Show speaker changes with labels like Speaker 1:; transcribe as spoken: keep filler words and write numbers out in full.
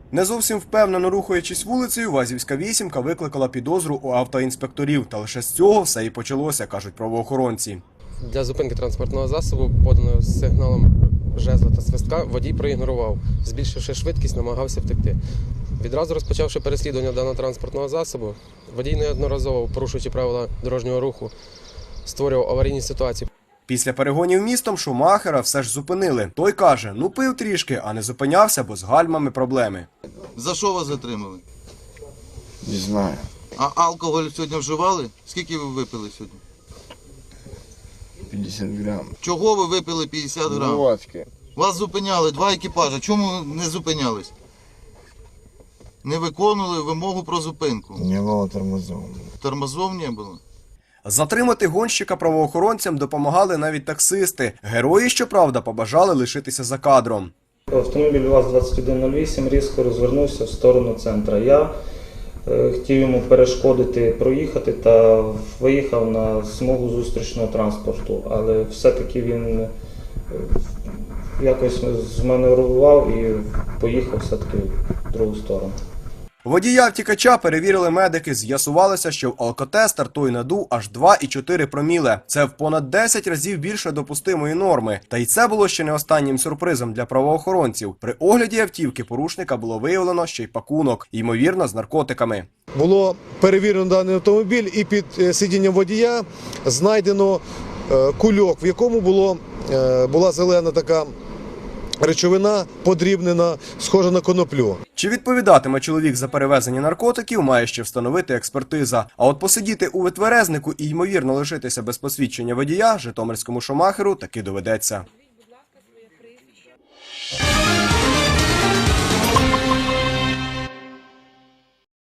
Speaker 1: Не зовсім впевнено рухаючись вулицею, Вазівська вісімка викликала підозру у автоінспекторів. Та лише з цього все і почалося, кажуть правоохоронці.
Speaker 2: Для зупинки транспортного засобу, поданого з сигналом жезла та свистка, водій проігнорував. Збільшивши швидкість, намагався втекти. Відразу розпочавши переслідування даного транспортного засобу, водій неодноразово, порушуючи правила дорожнього руху, створював аварійні ситуації.
Speaker 1: Після перегонів містом Шумахера все ж зупинили. Той каже, ну пив трішки, а не зупинявся, бо з гальмами проблеми.
Speaker 3: За що вас затримали?
Speaker 4: Не знаю.
Speaker 3: А алкоголь сьогодні вживали? Скільки ви випили сьогодні?
Speaker 4: п'ятдесят грам.
Speaker 3: Чого ви випили п'ятдесят грам?
Speaker 4: Водки.
Speaker 3: Вас зупиняли два екіпажа. Чому не зупинялись? Не виконували вимогу про зупинку.
Speaker 4: Не было тормозов.
Speaker 3: Тормозов не було.
Speaker 1: Затримати гонщика правоохоронцям допомагали навіть таксисти. Герої, щоправда, побажали лишитися за кадром.
Speaker 5: Автомобіль ВАЗ двадцять один нуль вісім різко розвернувся в сторону центра. Я е, хотів йому перешкодити проїхати та виїхав на смугу зустрічного транспорту, але все-таки він е, якось зманеврував і поїхав все-таки в другу сторону.
Speaker 1: Водія втікача перевірили медики. З'ясувалося, що в алкотестер той надув аж два і чотири проміле. Це в понад десять разів більше допустимої норми. Та й це було ще не останнім сюрпризом для правоохоронців. При огляді автівки порушника було виявлено ще й пакунок, ймовірно, з наркотиками.
Speaker 6: Було перевірено даний автомобіль і під сидінням водія знайдено кульок, в якому було, була зелена така речовина, подрібнена, схожа на коноплю.
Speaker 1: Чи відповідатиме чоловік за перевезення наркотиків, має ще встановити експертиза. А от посидіти у витверезнику і, ймовірно, лишитися без посвідчення водія житомирському Шумахеру таки доведеться.